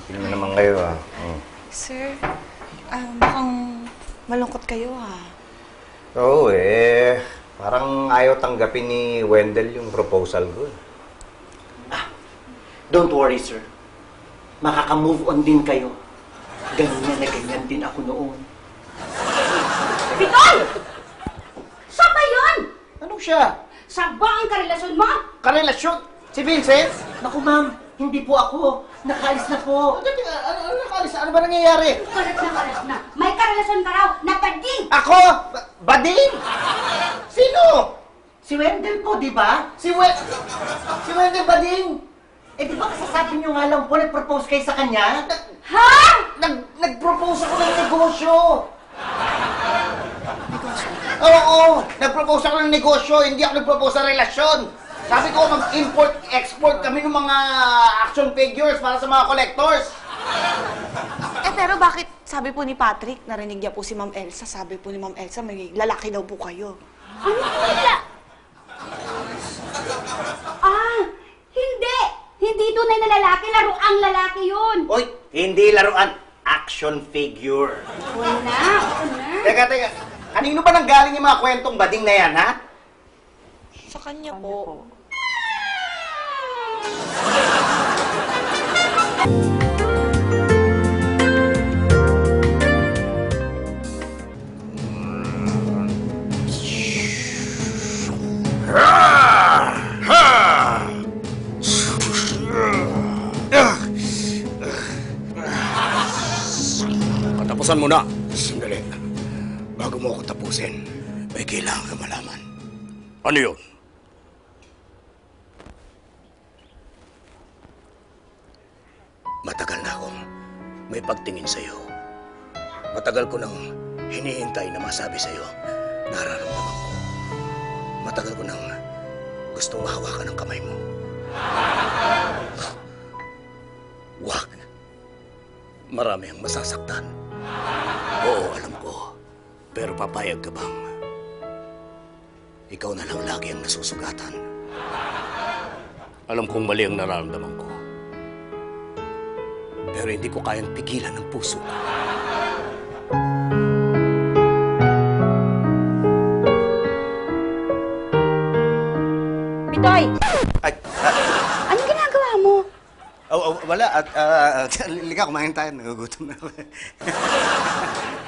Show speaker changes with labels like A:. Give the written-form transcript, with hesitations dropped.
A: Tingnan mo naman kayo, ah.
B: Sir, mukhang malungkot kayo,
A: Oo, parang ayaw tanggapin ni Wendell yung proposal ko.
C: Don't worry, sir. Makaka-move on din kayo. Ganyan na ganyan din ako noon.
D: Bitoy! Siya ba yun?
C: Anong siya?
D: Siya ba ang karelasyon mo?
C: Karelasyon? Si Vincent? Naku, ma'am. Hindi po ako. Nakaalis na po. Ano nakaalis? Ano ba nangyayari?
D: Karat na. May karelasyon ka raw na bading!
C: Ako? Bading? Sino? Si Wendell po, di ba? Si Wendell Bading? Eh, di ba kasasabi niyo nga lang po, nag-propose kayo sa kanya?
D: Ha?
C: Nag-propose ako ng negosyo. Oo, nag-propose ako ng negosyo, hindi ako nag-propose sa relasyon. Sabi ko, mag-import-export kami ng mga action figures para sa mga collectors.
B: pero bakit sabi po ni Patrick, narinig niya po si Ma'am Elsa, sabi po ni Ma'am Elsa, may lalaki daw po kayo.
D: Ano wala? Hindi! Hindi tunay na lalaki, laruang lalaki yun!
C: Oy, hindi laruan, action figure.
D: Wala.
C: Teka. Kanino ba nanggaling yung mga kwentong bading na yan, ha?
B: Sa kanya po.
E: Katapusan mo na. Sandali. Bago mo ako tapusin, may kailangan ka malaman. Ano yun? Matagal na akong may pagtingin sa'yo. Matagal ko nang hinihintay na masabi sa'yo nararamdaman ko. Matagal ko nang gustong mahawakan ang kamay mo. Wag. Marami ang masasaktan. Oo, alam ko. Pero papayag ka bang ikaw na lang lagi ang nasusugatan? Alam kong mali ang nararamdaman ko. Pero hindi ko kayang pigilan ang puso ko.
D: Bitoy!
A: Ay,
D: Anong ginagawa mo?
A: wala. Liga, kumain tayo. Nagugutom na ako.